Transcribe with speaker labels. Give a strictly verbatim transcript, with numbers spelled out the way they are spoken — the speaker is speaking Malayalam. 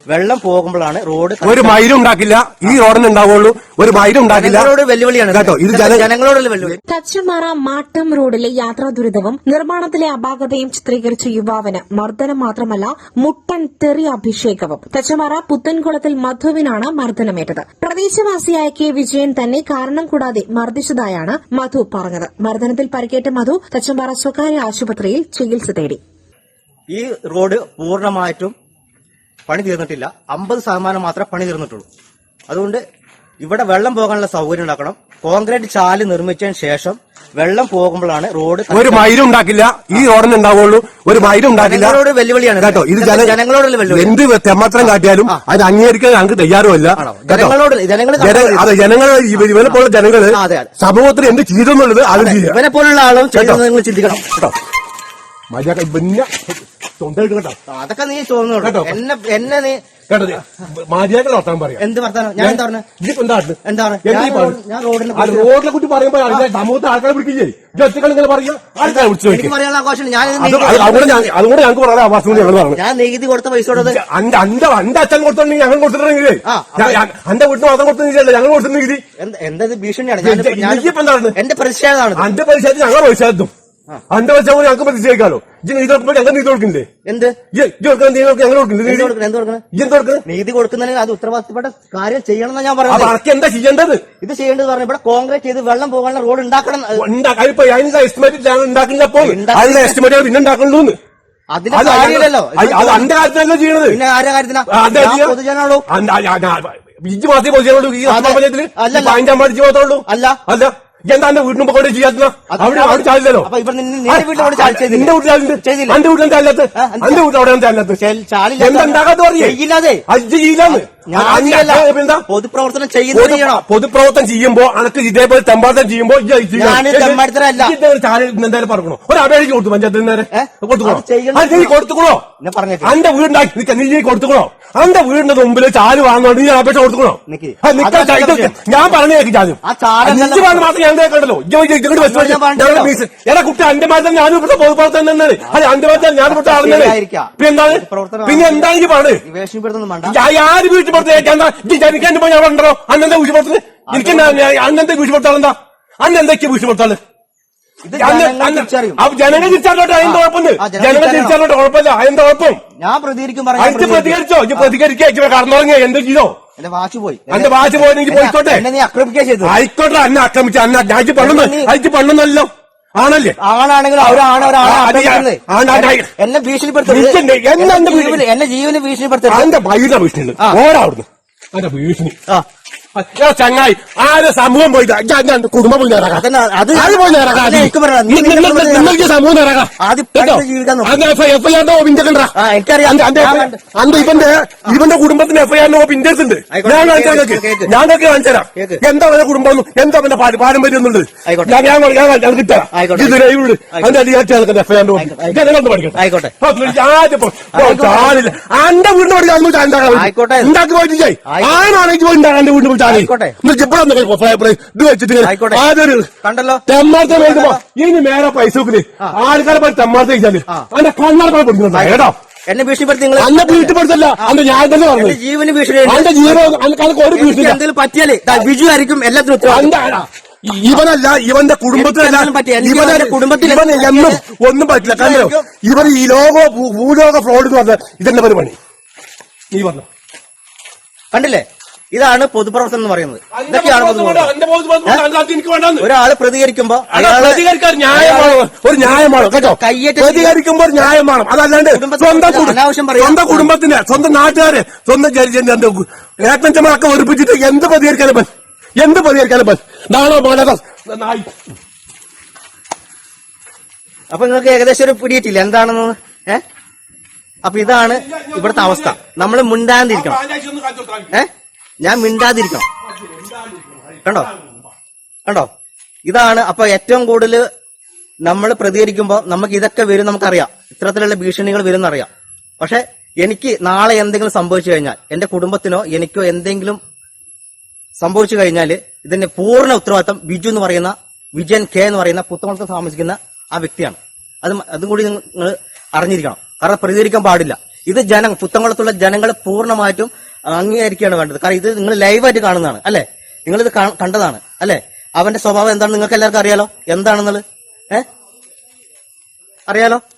Speaker 1: വെള്ളം പോകുമ്പോഴാണ് റോഡ്
Speaker 2: ഒരു മൈലും ഉണ്ടാക്കില്ല. ഈ റോഡിന് ഉണ്ടാവുള്ളൂ, ഒരു മൈലും ഉണ്ടാക്കില്ല.
Speaker 1: വെല്ലുവിളിയാണ് കേട്ടോ, ഇത് ജനങ്ങളോടുള്ള വെല്ലുവിളി.
Speaker 3: തച്ചമ്പാറ മാട്ടം റോഡിലെ യാത്രാ ദുരിതവും നിർമ്മാണത്തിലെ അപാകതയും ചിത്രീകരിച്ച യുവാവിന് മർദ്ദനം മാത്രമല്ല മുട്ടൻ തെറി അഭിഷേകവും. തച്ചമ്പാറ പുത്തൻകുളത്തിൽ മധുവിനാണ് മർദ്ദനമേറ്റത്. പ്രദേശവാസിയായ കെ വിജയൻ തന്നെ കാരണം കൂടാതെ മർദ്ദിച്ചതായാണ് മധു പറഞ്ഞത്. മർദ്ദനത്തിൽ പരിക്കേറ്റ മധു തച്ചമ്പാറ സ്വകാര്യ ആശുപത്രിയിൽ ചികിത്സ തേടി.
Speaker 1: ഈ റോഡ് പൂർണ്ണമായിട്ടും പണി തീർന്നിട്ടില്ല, അമ്പത് ശതമാനം മാത്രമേ പണി തീർന്നിട്ടുള്ളൂ. അതുകൊണ്ട് ഇവിടെ വെള്ളം പോകാനുള്ള സൗകര്യം ഉണ്ടാക്കണം. കോൺക്രീറ്റ് ചാല് നിർമ്മിച്ചതിന് ശേഷം വെള്ളം പോകുമ്പോഴാണ് റോഡ്
Speaker 2: ഒരു മൈലും ഉണ്ടാക്കില്ല. ഈ റോഡിന് ഉണ്ടാവുള്ളൂ, ഒരു മൈലും ഉണ്ടാക്കില്ല.
Speaker 1: വെല്ലുവിളിയാണ് കേട്ടോ, ഇത് ജനങ്ങളോടുള്ള വെല്ലുവിളി.
Speaker 2: എന്ത് തെമ്മാത്രം കാട്ടിയാലും അത് അംഗീകരിക്കാൻ ഞങ്ങൾക്ക് തയ്യാറുമല്ല.
Speaker 1: ജനങ്ങളോട്
Speaker 2: അതെ, ജനങ്ങൾ ഇവനെ പോലുള്ള ജനങ്ങള് സമൂഹത്തിൽ എന്ത് ചെയ്തെന്നുള്ളത് അത്
Speaker 1: ഇവനെ പോലുള്ള ആളും നിങ്ങൾ ചിന്തിക്കണം കേട്ടോ.
Speaker 2: മര്യാദ പിന്നെ
Speaker 1: അതൊക്കെ നീ തോന്നുന്നു കേട്ടോ. എന്നെ എന്നെ നീ
Speaker 2: മര്യാദ വർത്താൻ പറയാം.
Speaker 1: എന്ത് വർത്താനം? ഞാൻ എന്താ പറഞ്ഞത്? എന്താണ് ഞാൻ റോഡിനെ
Speaker 2: റോഡിനെ കുറിച്ച് പറയുമ്പോ സമൂഹത്തെ ആൾക്കാരെ വിളിക്കില്ലേ? ഒറ്റക്കൾ ഇങ്ങനെ പറയാ, ആൾക്കാരെ വിളിച്ചു
Speaker 1: എനിക്ക് പറയാനുള്ള ആഘോഷം. ഞാൻ
Speaker 2: അതുകൊണ്ട് ഞങ്ങൾക്ക് പറയാൻ അവകാശം ഞങ്ങൾ പറഞ്ഞു.
Speaker 1: ഞാൻ നികുതി കൊടുത്ത പൈസ കൊടുത്തത്
Speaker 2: അന്റെ അന്റെ അച്ഛൻ കൊടുത്തിട്ടുണ്ടെങ്കിൽ ഞങ്ങൾ കൊടുത്തിട്ടുണ്ടെങ്കിലേ അന്റെ വീട്ടിൽ മാത്രം കൊടുത്തില്ല, ഞങ്ങൾ കൊടുത്തിട്ടുണ്ട് നികുതി.
Speaker 1: എന്തത് ഭീഷണിയാണ്? എന്റെ പ്രതിഷേധമാണ്.
Speaker 2: അന്റെ പ്രതിഷേധം ഞങ്ങൾ പ്രതിഷേധം അന്റെ വെച്ചാൽ ഞങ്ങൾക്ക് പ്രതിഷേധിക്കാലോ. ഇത് കൊടുക്കുമ്പോൾ ഞങ്ങൾ നീതി കൊടുക്കണ്ടേ? എന്ത് ഞങ്ങൾ കൊടുക്കുന്നത്?
Speaker 1: നീതി കൊടുക്കുന്നതിന് അത് ഉത്തരവാദിത്തപ്പെട്ട കാര്യം ചെയ്യണമെന്ന് ഞാൻ പറയുന്നത്.
Speaker 2: അതൊക്കെ എന്താ ചെയ്യേണ്ടത്?
Speaker 1: ഇത് ചെയ്യേണ്ടത് പറഞ്ഞു ഇവിടെ കോൺക്രീറ്റ് ചെയ്ത് വെള്ളം പോകാനുള്ള റോഡ് ഉണ്ടാക്കണം.
Speaker 2: അതിന്റെ എസ്റ്റിമേറ്റ് ഞങ്ങൾ ഉണ്ടാക്കില്ലപ്പോ അതിന്റെ എസ്റ്റിമേറ്റ് പിന്നെ ഉണ്ടാക്കണ്ടു.
Speaker 1: അതിന്റെ കാര്യമില്ലല്ലോ,
Speaker 2: അത് അന്റെ കാര്യത്തിലല്ല ചെയ്യണത്.
Speaker 1: പിന്നെ ആരുടെ കാര്യത്തിനാ? പൊതുജനാണോ?
Speaker 2: ഇഞ്ച് മാത്രമേ പൊതുജനുള്ളൂ ഈ പഞ്ചായത്തില്. അതിന്റെ അമ്മ ഇഞ്ച് മാത്രമേ അല്ല അല്ല എന്താ എന്റെ വീടിന് കൊണ്ട് ചെയ്യാത്ത അവിടെ അവിടെ ചാലില്ലല്ലോ. നിന്റെ വീട്ടിലാണ് ചാലില്ലാത്ത എന്റെ വീട്ടിലും ചാലില്ലാത്ത എന്റെ വീട്ടിൽ അവിടെ ചാലില്ലാത്ത എന്താണ്ടാകാത്ത പറയില്ലാതെ അജ്ജ് ചെയ്യില്ലാന്ന്
Speaker 1: പൊതുപ്രവർത്തനം ചെയ്യുന്ന
Speaker 2: പൊതുപ്രവർത്തനം ചെയ്യുമ്പോ അനക്ക് ഇതേപോലെ തെമ്പാർത്തനം ചെയ്യുമ്പോ എന്തായാലും പറഞ്ഞോ ഒരു അപേക്ഷ കൊടുത്തു പഞ്ചായത്തിൽ നേരെ കൊടുത്തുക്കണോ? നീ കൊടുത്തുക്കണോ? അന്റെ വീടുണ്ടാക്കി നീ കൊടുത്തുക്കണോ? അന്റെ വീടിന്റെ മുമ്പിൽ ചാല് വാങ്ങുന്നോണ്ട് നീ അപേക്ഷ കൊടുത്തുക്കണോ? ഞാൻ പറഞ്ഞേക്ക് ചാലും മാത്രം ഞാൻ കേട്ടല്ലോ. എടാ കുട്ടി അന്റെ മാറ്റം ഞാനും ഇവിടുത്തെ പൊതുപ്രവർത്തനം തന്നെയാണ്. അതെ അന്റെ മാറ്റം ഞാൻ ഇവിടുത്തെ ആളുകളെ പിന്നെ എന്താണ് പിന്നെ എന്താണ് എനിക്ക് പറഞ്ഞത്? ആര് വീട്ടിൽ എനിക്ക് എന്റെ ഞാൻ ഉണ്ടോ അന്നെന്താ വീഴ്ചപ്പെടുത്തുന്നത്? എനിക്ക് അന്നെന്താ വീഴ്ചപ്പെടുത്താളെന്താ? അന്നെന്തൊക്കെയാ വീഴ്ചപ്പെടുത്താള്? ജനങ്ങൾ തിരിച്ചറിഞ്ഞോട്ടെ, അതിന്റെ കുഴപ്പമുണ്ട്. ജനങ്ങൾ തിരിച്ചറിഞ്ഞോട്ടെ, കുഴപ്പമില്ല. അതിന്റെ കുഴപ്പം
Speaker 1: ഞാൻ പ്രതികരിക്കും.
Speaker 2: അതിന് പ്രതികരിച്ചോ? ഇത് പ്രതികരിക്കുക കടന്നുറങ്ങിയ എന്ത് ചെയ്തോ?
Speaker 1: എന്റെ വാച്ച് പോയി.
Speaker 2: എന്റെ വാച്ച് പോയെങ്കിൽ പോയിക്കോട്ടെ.
Speaker 1: നീ ആക്രമിക്കുക ചെയ്തു.
Speaker 2: ആയിക്കോട്ടെ, അന്നെ ആക്രമിച്ച അന്ന ഞാൻ പണ്ണു അയച്ച് പണ്ണുന്നല്ലോ. ആണല്ലേ?
Speaker 1: ആണാണെങ്കിൽ അവരാണ് ഒരാളെ എന്നെ ഭീഷണിപ്പെടുത്തുന്നത്. എന്നെ ജീവന് ഭീഷണിപ്പെടുത്തുന്നത്.
Speaker 2: എന്റെ വൈകിട്ട ഭീഷണി ഓടാവിടുന്നു. എന്റെ ഭീഷണി ചങ്ങായി ആരെ സമൂഹം പോയി കുടുംബം പോയി നേരാക്കാം. അത് പോയി നേരാക്കാം. നിങ്ങൾക്ക് സമൂഹം നേരാക്കാം. എഫ്ഐആറിന്റെ പിന്തുണ്ടാ അന്റെ ഇവന്റെ ഇവന്റെ കുടുംബത്തിന് എഫ്ഐആറിന്റെ പിന്തുണ്ട്. ഞാൻ കാണിച്ചു ഞങ്ങൾക്ക് കാണിച്ചു തരാം എന്താ അവന്റെ കുടുംബം, എന്താ അവന്റെ പാരമ്പര്യം എന്നുള്ളത്. ഞാൻ ഞാൻ കിട്ടാം. ഇത് ലൈവുണ്ട്. അതിന്റെ അധികാരിച്ച് എഫ്ഐആറിന്റെ ജനങ്ങളൊന്ന് പഠിക്കട്ടെ.
Speaker 1: ആയിക്കോട്ടെ.
Speaker 2: അന്റെ വീടിന് പഠിക്കാൻ ഉണ്ടാക്കി പോയിട്ട് ആണാണെങ്കിൽ പോയി എന്റെ വീടിന് പോയി
Speaker 1: കണ്ടല്ലോ
Speaker 2: തെമ്മാർത്ത വേണ്ടുമ്പോ ഇനി മേലെ പൈസ വെക്കില്ലേ ആൾക്കാരെ പോയി തെമ്മാർത്ത കഴിച്ചാല് അതിന്റെ കണ്ണാർക്കാരെ പഠിക്കുന്നുണ്ടോ? കേട്ടോ
Speaker 1: എന്നെ ഭീഷണിപ്പെടുത്തി
Speaker 2: അന്നെ ഭീഷണിപ്പെടുത്തല്ല അന്ന് ഞാൻ തന്നെ പറഞ്ഞു
Speaker 1: ജീവന് ഭീഷണി.
Speaker 2: എന്റെ ജീവൻ ഒരു ഭീഷണി
Speaker 1: എന്തെങ്കിലും പറ്റിയാലേ ബിജു ആയിരിക്കും എല്ലാത്തിനും.
Speaker 2: ഇവനല്ല ഇവന്റെ കുടുംബത്തിനല്ല ഇവന്റെ കുടുംബത്തിൽ ഇവൻ എന്നും ഒന്നും പറ്റില്ല. കാരണം ഇവൻ ഈ ലോക ഭൂലോക ഫ്രോഡ് എന്ന് പറഞ്ഞ ഇതെന്നെ പരിപാടി നീ പറഞ്ഞു
Speaker 1: കണ്ടില്ലേ? ഇതാണ് പൊതുപ്രവർത്തനം എന്ന് പറയുന്നത്. ഇതൊക്കെയാണ് ഒരാള് പ്രതികരിക്കുമ്പോ
Speaker 2: പ്രതികരിക്കാൻ ന്യായമാണ്, ഒരു ന്യായമാണ് കേട്ടോ.
Speaker 1: കയ്യേറ്റ
Speaker 2: പ്രതികരിക്കുമ്പോൾ ന്യായമാണ്. അതല്ലാണ്ട് സ്വന്തം സ്വന്തം കുടുംബത്തിന് സ്വന്തം നാട്ടുകാരെ സ്വന്തം ഏട്ടഞ്ചന്മാരൊക്കെ ഒരുപ്പിച്ചിട്ട് എന്ത് പ്രതികരിക്കാനും പറ്റും? എന്ത് പ്രതികരിക്കാനും പറ്റും? നാളോ മോനോ നായി.
Speaker 1: അപ്പൊ നിങ്ങൾക്ക് ഏകദേശം ഒരു പിടിയിട്ടില്ല എന്താണെന്ന്. ഏഹ് അപ്പൊ ഇതാണ് ഇവിടുത്തെ അവസ്ഥ. നമ്മൾ മിണ്ടാതിരിക്കണം. ഏഹ് ഞാൻ മിണ്ടാതിരിക്കണം. കണ്ടോ കണ്ടോ ഇതാണ്. അപ്പൊ ഏറ്റവും കൂടുതൽ നമ്മൾ പ്രതികരിക്കുമ്പോൾ നമുക്ക് ഇതൊക്കെ വരും, നമുക്കറിയാം. ഇത്തരത്തിലുള്ള ഭീഷണികൾ വരും എന്നറിയാം. പക്ഷെ എനിക്ക് നാളെ എന്തെങ്കിലും സംഭവിച്ചു കഴിഞ്ഞാൽ എന്റെ കുടുംബത്തിനോ എനിക്കോ എന്തെങ്കിലും സംഭവിച്ചു കഴിഞ്ഞാൽ ഇതിന്റെ പൂർണ്ണ ഉത്തരവാദിത്തം ബിജു എന്ന് പറയുന്ന വിജയൻ കെ എന്ന് പറയുന്ന പുത്തമണത്ത് താമസിക്കുന്ന ആ വ്യക്തിയാണ്. അത് അതും കൂടി നിങ്ങൾ അറിഞ്ഞിരിക്കണം. കാരണം പ്രതികരിക്കാൻ പാടില്ല. ഇത് ജനം പുത്തൻകുളത്തുള്ള ജനങ്ങൾ പൂർണ്ണമായിട്ടും അംഗീകരിക്കുകയാണ് വേണ്ടത്. കാരണം ഇത് നിങ്ങൾ ലൈവായിട്ട് കാണുന്നതാണ് അല്ലെ, നിങ്ങളിത് കണ്ടതാണ് അല്ലെ. അവന്റെ സ്വഭാവം എന്താണെന്ന് നിങ്ങൾക്ക് എല്ലാവർക്കും അറിയാലോ, എന്താണെന്നുള്ളത് ഏഹ് അറിയാലോ.